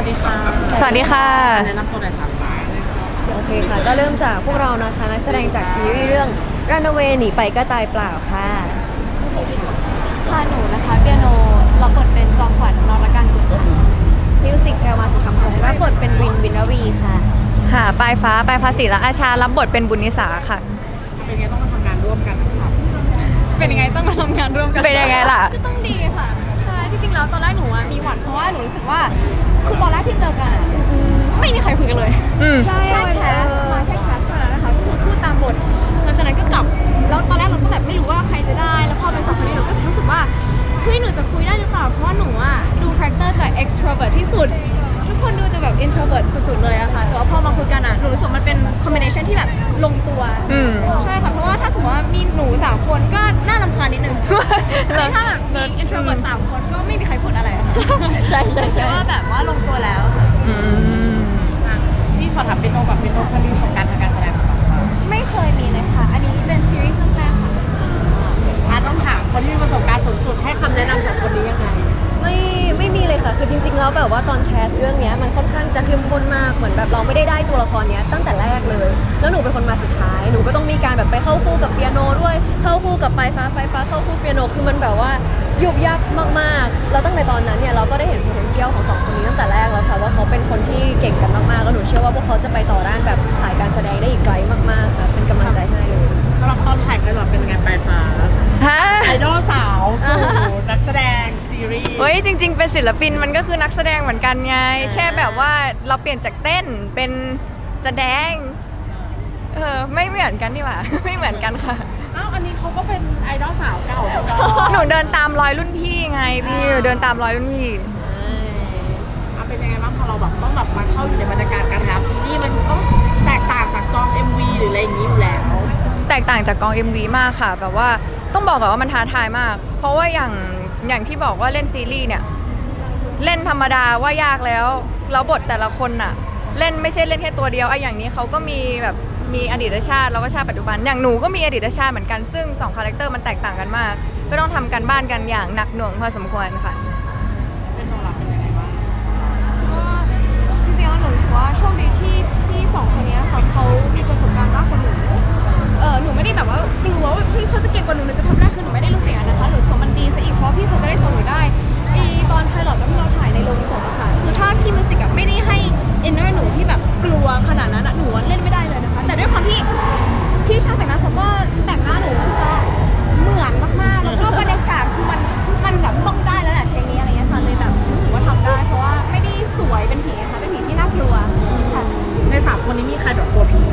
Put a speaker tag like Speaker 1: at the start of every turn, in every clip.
Speaker 1: วัสดีค่ะ
Speaker 2: สวัสดีค่ะ
Speaker 1: แนะนำตัวหน่อย3 สายเลย
Speaker 3: โอเคค่ะก็เริ่มจากพวกเรานะคะนักแสดงจากซีรีส์เรื่อง Runaway หนีไปก็ตายเปล่าค่ะ
Speaker 2: ค่ะหนูนะคะเปียโนรับบทเป็นจอมขวัญนรการกุลค่ะ
Speaker 3: มิวสิกแพรวมาสุธรรมพงศ์รับบทเป็นวินวินรวีค่ะ
Speaker 2: ค่ะปลายฟ้าศิระอาชารับบทเป็นบุญนิสาค่ะ
Speaker 1: เป็นไงต้องมาทำงานร่วมกันทั้งสาม
Speaker 2: เป็นยังไงต้องมาทำงานร่วมกันเป็นยังไงล่ะ
Speaker 4: ก็ต้องดีค่ะใช่จริงๆแล้วตอนแรกหนูมีหวั่นเพราะว่าหนูรู้สึกว่าคือตอนแรกที่เจอกันอะไม่มีใครคุยกันเลย
Speaker 3: ใช่
Speaker 4: แค่แคสมาแค่แคสเท่านั้นนะคะคือพูดตามบทหลังจากนั้นก็กลับแล้วตอนแรกเราก็แบบไม่รู้ว่าใครจะได้แล้วพอเป็นสองคนนี้หนูก็รู้สึกว่าเฮ้ยหนูจะคุยได้หรือเปล่าเพราะว่าหนูอะดูคาแรคเตอร์จาก extrovert ที่สุดทุกคนดูจะแบบ introvert สุดๆเลยอะค่ะแต่ว่าพอมาคุยกันอะหนูรู้สึกมันเป็น combination ที่แบบลงตัวใช่ค่ะเพราะว่าถ้าสมมติว่ามีหนู3 คนก็น่ารำคาญนิดนึงถ้าแบบมี introvert 3 คนก็ไม่มีใครพูดอะไรอะ
Speaker 3: ใช่ใช่ใช่
Speaker 4: ว่าแบบว่าลงตัวแล้วค่ะ
Speaker 1: นี่ขอถามเป็นโนกับเป็นโนเคยมีประสบการณ์ทางการแสดงมาก่อนป่ะ
Speaker 4: ไม่เคยมีเลยค่ะอันนี้เป็นซีรีส์เรื่องแรกค่ะ
Speaker 1: ต้องถามคนที่มีประสบการณ์สูงสุดให้คำแนะนำ2 คนนี้ยังไง
Speaker 3: ไม่มีเลยค่ะคือจริงๆแล้วแบบว่าตอนแคสเรื่องนี้มันค่อนข้างจะเข้มข้นมากเหมือนแบบเราไม่ได้ตัวละครเนี้ยตั้งแต่แรกเลยแล้วหนูเป็นคนมาสุดท้ายหนูก็ต้องมีการแบบไปเข้าคู่กับเปียโนด้วยเข้าคู่กับปลายฟ้าเข้าคู่เปียโนคือมันแบบว่ายุบยับมากๆแล้วตั้งแต่ตอนนั้นเนี่ยเราก็ได้เห็น potential ของ2 คนนี้ตั้งแต่แรกแล้วค่ะว่าเขาเป็นคนที่เก่งกันมากๆแล้วหนูเชื่อว่าพวกเขาจะไปต่อด้านแบบสายการแสดงได้อีกไกลมากๆค่ะเป็นกำลังใจให้เลย
Speaker 1: สำหรับตอนถ่ายไพลอตเป็นไงปลายฟ้าไอดอลสาวสู่นักแสดงซีรีส์
Speaker 2: เฮ้ยจริงๆเป็นศิลปินมันก็คือนักแสดงเหมือนกันไงแค่แบบว่าเราเปลี่ยนจากเต้นเป็นแสดงไม่เหมือนกันดีกว่า ไม่เหมือนกันค่ะ
Speaker 1: อันนี้เขาก็เป็นไอดอลสาวเก่า
Speaker 2: หนูเดินตามรอยรุ่นพี่ไงพี่เดินตามรอยรุ่นพี่
Speaker 1: เป็นยังไงบ้างพอเราแบบต้องแบบมาเข้าอยู่ในบรรยากาศการทำซีรีส์มันต้องแตกต่างจากกอง MV หรืออะไรอย่างนี้อยู่แล้ว
Speaker 2: แตกต่างจากกอง MV มากค่ะแบบว่าต้องบอกก่อนว่ามันท้าทายมากเพราะว่าอย่างที่บอกว่าเล่นซีรีส์เนี่ยเล่นธรรมดาว่ายากแล้วบทแต่ละคนน่ะเล่นไม่ใช่เล่นแค่ตัวเดียวอย่างนี้เขาก็มีแบบมีอดีตชาติแล้วก็ชาติปัจจุบันอย่างหนูก็มีอดีตชาติเหมือนกันซึ่ง2 คาแรคเตอร์มันแตกต่างกันมากก็ต้องทำกันบ้านกันอย่างหนักหน่วงพอสมควรค่ะ
Speaker 1: เป็นโนราเป็นยังไงบ้าง
Speaker 4: ก็จริงๆแล้วหนูรู้สึกว่าโชคดีที่พี่2 คนนี้ค่ะเขามีประสบการณ์มากกว่าหนูหนูไม่ได้แบบว่ากลัวว่าพี่เขาจะเก่งกว่าหนูจะทำได้คือหนูไม่ได้รู้สึกอย่างนั้นนะคะหนูชมมันดีซะอีกเพราะพี่เขาจะได้สอนหนูได้ตอนไพลอตแล้วที่เราถ่ายในโรงศพอะค่ะคือถ้าพี่มิวสิกอะไม่ได้ให้อินเนอร์หนูที่แบบกลัวขนาดนั้นอะหนูเล่นไม่ได้เลยนะคะแต่ด้วยความที่พี่ช่างแต่งหน้าเขาก็แต่งหน้าหนูซะเหมือนมากๆแล้วก็บรรยากาศคือมันแบบต้องได้แล้วแหละเทคนี้อะไรเงี้ยค่ะเลยแบบรู้สึกว่าทำได้เพราะว่าไม่ได้สวยเป็นผีนะคะเป็นผีที่น่ากลัวค่ะ
Speaker 1: ใน3 คนนี้มีใครแบบกลัวผี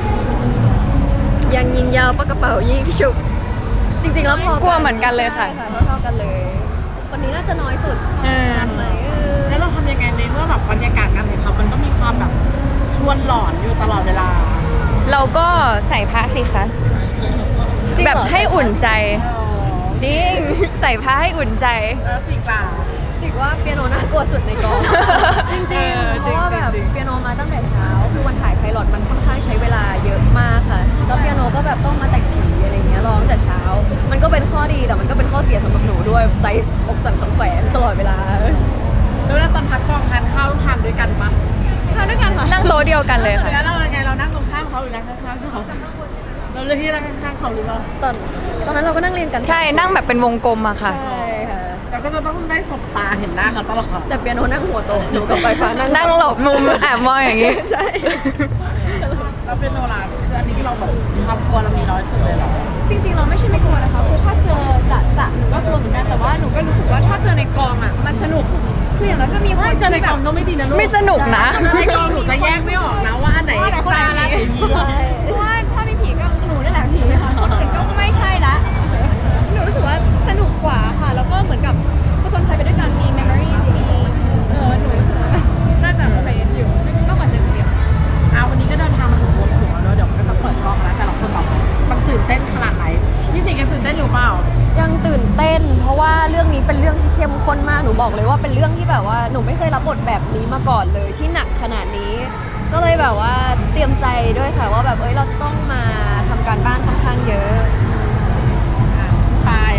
Speaker 3: ยังยิงยาวปากกระเป๋ายิงฉุบจริงๆแล้วพอก
Speaker 2: ลัวเหมือนกันเลยค่ะ
Speaker 3: เท่ากันเลยคนนี้น่าจะน้อยสุด
Speaker 1: แล้วเราทำยังไงในเมื่อแบบบรรยากาศการถ่ายทำมันก็มีความแบบชวนหลอนอยู่ตลอดเวลา
Speaker 2: เราก็ใส่พระสิคะแบบให้อุ่นใจจริงใส่ผ้าให้อุ่นใจ
Speaker 1: สิ่ง
Speaker 3: ว่าเปียโนน่ากลัวสุดในกองจริงๆเพราะว่าแบบเปียโนมาตั้งแต่เช้าคือวันถ่ายไพลอตมันค่อนข้างใช้เวลาเยอะมากค่ะแล้วเปียโนก็แบบต้องมาแต่งผีอะไรเงี้ยร้องแต่เช้ามันก็เป็นข้อดีแต่มันก็เป็นข้อเสียสำหรับหนูด้วยใจอกสั่นขวัญแขวนตลอดเวลา
Speaker 1: แล้วตอนพักกองทานข้าวทานด้วยกันปะ
Speaker 4: ทำด้วยกันค่ะ
Speaker 2: นั่งโต๊ะเดียวกันเลยค่ะ
Speaker 1: แล้วเราไงเรานั่งตรงข้ามเขาหรือนั่งข้างๆเขาเราเลือกที่นั่งข้างๆเขาหรือเปล่า
Speaker 3: ตอนนั้นเราก็นั่งเรียนกัน
Speaker 2: ใช่นั่งแบบเป็นวงกลมอะค่ะ
Speaker 3: ใช่ค่ะ
Speaker 1: เราก็จะต้องได้สบตาเห็นหน้าเขาตลอด
Speaker 3: แต่เปียโนนั่งหัวโตหนูกับไฟฟ้า
Speaker 2: นั่งหลบมุมแอบมองอย่างนี้
Speaker 3: ใช่
Speaker 1: เราเป็นโนราคืออันนี้ที่เราแบบความกลัวเรามีน้อยสุดเลยหรอ
Speaker 4: จริงๆเราไม่ใช่ไม่กลัวนะคะคือถ้าเจอจะหนูก็กลัวเหมือนกันแต่ว่าหนูก็รู้สึกว่าถ้าเจอในกองอะมันสนุกคืออย่างน้อยก็มีคน
Speaker 1: เจอในกองก็ไม่ดีนะลูก
Speaker 2: ไม่สนุกนะ
Speaker 1: ในกองหนูจะแยกไม่ออกนะว่าอันไหนเอ็กซ์ตร้าแล้วไหนผี
Speaker 4: เพราะว่าถ้ามีผีก็หนูนั่นแหละผีค่ะคนอื่นก็ไม่ใช่ละหนูรู้สึกว่าสนุกกว่าค่ะแล้วก็เหมือนกับผจญภัยไปด้วยกันมี memories มีหนูรู้สึกว่าน่าจะโอเคอยู่มากกว่าเจอคนเดียว
Speaker 1: วันนี้ก็เดินทางมาถึงบวงสรวงแล้วเดี๋ยวก็จะเปิดกล้องแล้วแต่ละคนแบบมันตื่นเต้นขนาดไหนพี่สิงห์ยังตื่นเต้นอยู่เปล่า
Speaker 3: ยังตื่นเต้นเพราะว่าเรื่องนี้เป็นเรื่องที่เข้มข้นมากหนูบอกเลยว่าเป็นเรื่องที่แบบว่าหนูไม่เคยรับบทแบบนี้มาก่อนเลยที่หนักขนาดนี้ก็เลยแบบว่าเตรียมใจด้วยค่ะว่าแบบเราจะต้องมาทำการบ้านค่อนข้างเยอะ
Speaker 1: ปายังไงคะ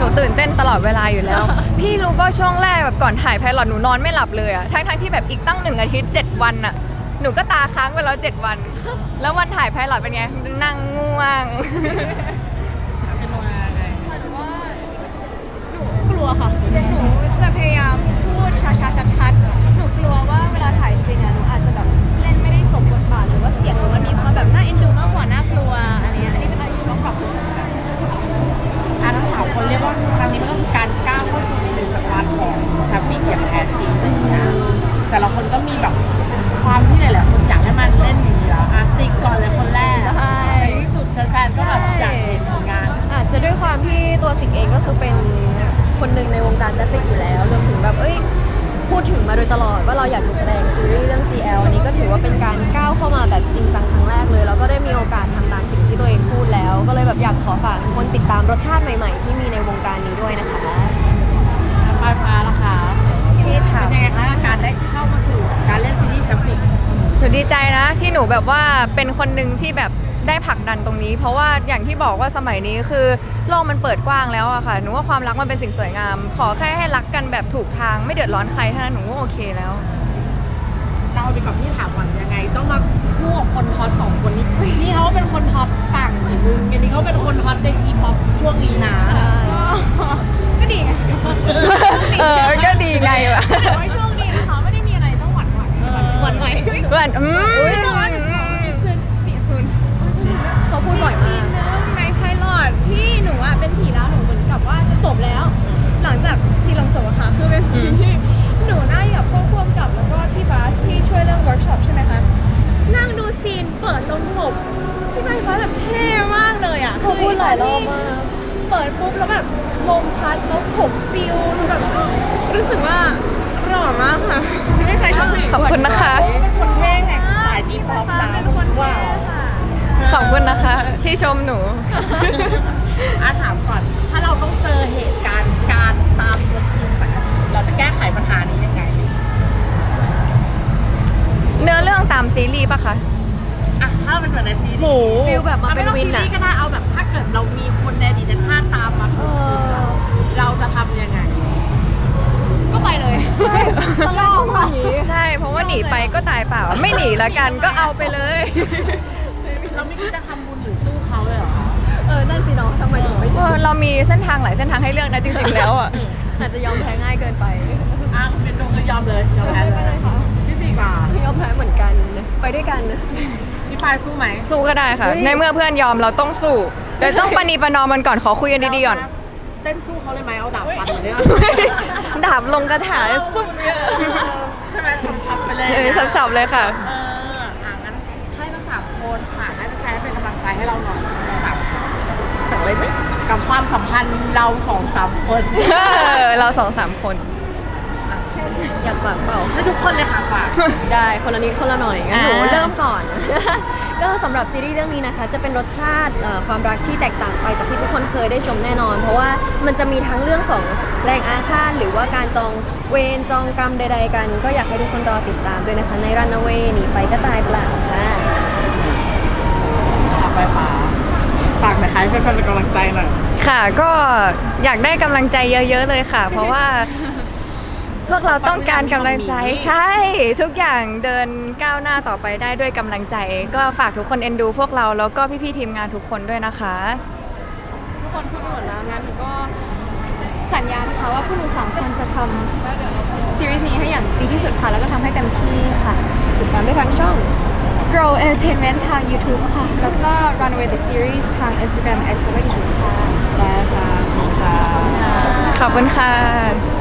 Speaker 2: หนูตื่นเต้นตลอดเวลาอยู่แล้ว พี่รู้ป่ะช่วงแรกแบบก่อนถ่ายไพลอตหนูนอนไม่หลับเลยอะทั้งที่แบบอีกตั้ง1 อาทิตย์ 7 วันอะหนูก็ตาค้างไปแล้ว 7 วัน แล้ววันถ่ายไพลอตเป็นไงนั่งง่วง
Speaker 1: เป็นโนนาไง
Speaker 4: หนูว่าหนูกลัวค่ะ หนูจะพยายามพูดช้าๆชัดๆหนูกลัวว่าเวลาถ่ายจริงอะหนูอาจจะแบบเล่นไม่ได้สมบทบาทหรือว่าเสียงหนูมันมีความแบบน่าเอ็นดูมากกว่าน่ากลัวอะไรเงี้ยอันนี้เป็นอะไรที่ต้องปรับปรุงกัน
Speaker 1: ทั้งสามคนเรียกว่าครั้งนี้มันก็คือการก้าวเข้าสู่จักรวาลของแซฟฟิกอย่างแท้จริงนะแต่ละคนก็มีแบบความที่หลายๆคนอยากให้มันเล่นอย่างนี้แล้วซิกก่อนเลยคนแรก
Speaker 3: ใช่
Speaker 1: ในที่สุดแฟนๆก็แบบอยากเห็นผลงาน
Speaker 3: อาจจะด้วยความที่ตัวสิงเองก็คือเป็นคนหนึ่งในวงการแซฟฟิกอยู่แล้วรวมถึงแบบพูดถึงมาโดยตลอดว่าเราอยากจะแสดงซีรีส์เรื่อง GL อันนี้ก็ถือว่าเป็นการก้าวเข้ามาแบบจริงจังครั้งแรกเลยแล้วก็ได้มีโอกาสทำตามสิ่งที่ตัวเองพูดแล้ว ก็เลยแบบอยากขอฝากทุกคนติดตามรสชาติใหม่ๆ ที่มีในวงการนี้ด้วยนะคะ
Speaker 1: ปลายฟ้าล่ะคะ
Speaker 2: พี่ถาม
Speaker 1: เป็นยังไงคะการได้เข้ามาสู่การเล่นซีรีส์แซฟฟิก
Speaker 2: หนูดีใจนะที่หนูแบบว่าเป็นคนหนึ่งที่แบบได้ผลักดันตรงนี้ เพราะว่าอย่างที่บอกว่าสมัยนี้คือโลกมันเปิดกว้างแล้วอะค่ะหนูว่าความรักมันเป็นสิ่งสวยงาม ขอแค่ให้รักกันแบบถูกทางไม่เดือดร้อนใครเท่านั้นหนูก็โอเคแล้ว
Speaker 1: เราเอาไปกับพี่ถามก่อนยังไง ต้องมาคู่กับคนฮอตสองคนนี้นี่เขาเป็นคนฮอตฝั่งอีกนึงอันนี้เขาเป็นคนฮอตในทีป๊อปช่วงนี้นะ
Speaker 4: ก็ดีไง
Speaker 2: ก็ดีไงวะ
Speaker 4: แต่ว่าช่วงนี้นะคะไม่ได้มีอะไรต้องหวั่นไหว
Speaker 3: หวั่นไหว
Speaker 2: เพื่อน
Speaker 4: แต่ว่าหนูจะบอกว่าซีน
Speaker 3: เขาพูดบ่อย
Speaker 4: ซี
Speaker 3: มาน ก
Speaker 4: หนึงในไพลอตที่หนูอะเป็นผีแล้วหนูเหมือนกับว่าจะจบแล้ว หลังจากซีนลงศพอะค่ะคือเป็นซีนที่หนูนั่งอยู่กับพวกพ่วงกับแล้วก็พี่บาสที่ช่วยเรื่องเวิร์กช็อปใช่ไหมคะนั่งดูซีนเปิดลงศพพี่ใบฟ้าแบบเท่มากเลยอะ
Speaker 3: เขาพูดหลายรอบมาก
Speaker 4: เปิดปุ๊บแล้วแบบลมพัดแล้วผมปิวแบบรู้สึกว่าหล่อมากค่ะไม่เคยชอบผู้หญิง
Speaker 2: ขอบคุณนะคะ
Speaker 1: เป็นคนเท่แห่งสายทีป๊อปนะ
Speaker 4: เป็นคนเท่ค่ะ
Speaker 2: ขอบคุณนะคะ ที่ชมหนู
Speaker 1: ถามก่อน ถ้าเราต้องเจอเหตุการณ์การตามตัวทีมจากอดีตเราจะแก้ไขปัญหานี้ยังไง
Speaker 2: เนื้อเรื่องตามซีรีส์ปะคะ
Speaker 1: ถ้าเราเป็นเหมือนในซีรีส์
Speaker 2: หมู
Speaker 3: ฟิลแบบมาเป็นวิน
Speaker 1: อะ
Speaker 3: อะ
Speaker 1: ก็ได้เอาแบบถ้าเกิดเรามีคนในอดีตชาติตามมาถูกทีมเราจะทำยังไง
Speaker 4: ก็ไปเลย
Speaker 3: ใช่ตลอดอย่างนี้
Speaker 2: ใช่ เพราะว่าหนีไปก็ตายเปล่า ไม่หนีละกันก็เอาไปเลย
Speaker 1: เราไม่คิดจะทำบุญหรือสู้เขาเลยเหรอ
Speaker 3: นั่นสิเนาะทำไมถึงไม่
Speaker 2: เรามีเส้นทางหลายเส้นทางให้เลือกนะจริงๆแล้วอ่ะ
Speaker 3: อาจจะยอมแพ้ง่ายเกินไป
Speaker 1: คุณเป็นดวงคือยอมเลยยอมแพ้เลยพี่สี่บาท
Speaker 3: ยอมแพ้เหมือนกัน ไปด้วยกัน
Speaker 1: พี่ปายสู้ไหม
Speaker 2: สู้ก็ได้ค่ะ
Speaker 3: เฮ้ย
Speaker 2: ในเมื่อเพื่อนยอมเราต้องสู้เดี๋ยวต้องปณีประนอมมันก่อนขอคุยกันดีๆก่อน
Speaker 1: เต้นสู้เขาเลยไหมเอาดาบฟันเลย
Speaker 2: ดาบลงกระถาสู้
Speaker 1: ใช่ไหมชับๆไปเลย
Speaker 2: ฉับๆเลยค่ะ
Speaker 1: งั้นให้ทั้งสามคนฝากให้แฟนๆเป็นกำลังใจให้เราหน่อยทั้งสามคน
Speaker 3: อะไรไหม
Speaker 1: กับความสัมพันธ์เรา2-3 คน
Speaker 2: เรา2-3 คน
Speaker 3: อยากฝากเปล่า
Speaker 1: ให้ทุกคนเลยค่ะฝาก
Speaker 3: ได้คนละนิดคนละหน่อยงั้นหนู
Speaker 2: อ่า
Speaker 3: เริ่มก่อน ก็สำหรับซีรีส์เรื่องนี้นะคะ จะเป็นรสชาติความรักที่แตกต่างไปจากที่ทุกคนเคยได้ชมแน่นอน เพราะว่ามันจะมีทั้งเรื่องของแรงอาฆาตหรือว่าการจองเวรจองกรรมใด ๆ กัน ก็อยากให้ทุกคนรอติดตามด้วยนะคะ ใน Runaway หนีไปก็ตายเปล่าค่ะ
Speaker 1: ฝากไปฝากหน่อยค่ะให้เพื่อนๆเป็นกำลังใจหน่อย
Speaker 2: ค่ะก็อยากได้กำลังใจเยอะๆเลยค่ะ เพราะว่าพวกเราต้องการกำลังใจใช่ ทุกอย่างเดินก้าวหน้าต่อไปได้ด้วยกำลังใจ ก็ฝากทุกคนเอ็นดูพวกเราแล้วก็พี่ๆทีมงานทุกคนด้วยนะคะ
Speaker 4: ทุกคนพูดหมดแล้วงั้นหนูก็สัญญานะคะว่าพวกหนูสองคนจะทำซีรีส์นี้ให้อย่างดีที่สุดค่ะ แล้วก็ทำให้เต็มที่ค่ะ
Speaker 3: ติดตามได้ทางช่อง
Speaker 4: Grow Entertainment ทาง YouTube ค่ะ แล้วก็ Runaway the Series ทาง Instagram X แล้วก็ YouTube ค่ะ
Speaker 1: ได้ค่ะขอบคุณค่ะ
Speaker 2: ขอบคุณค่ะ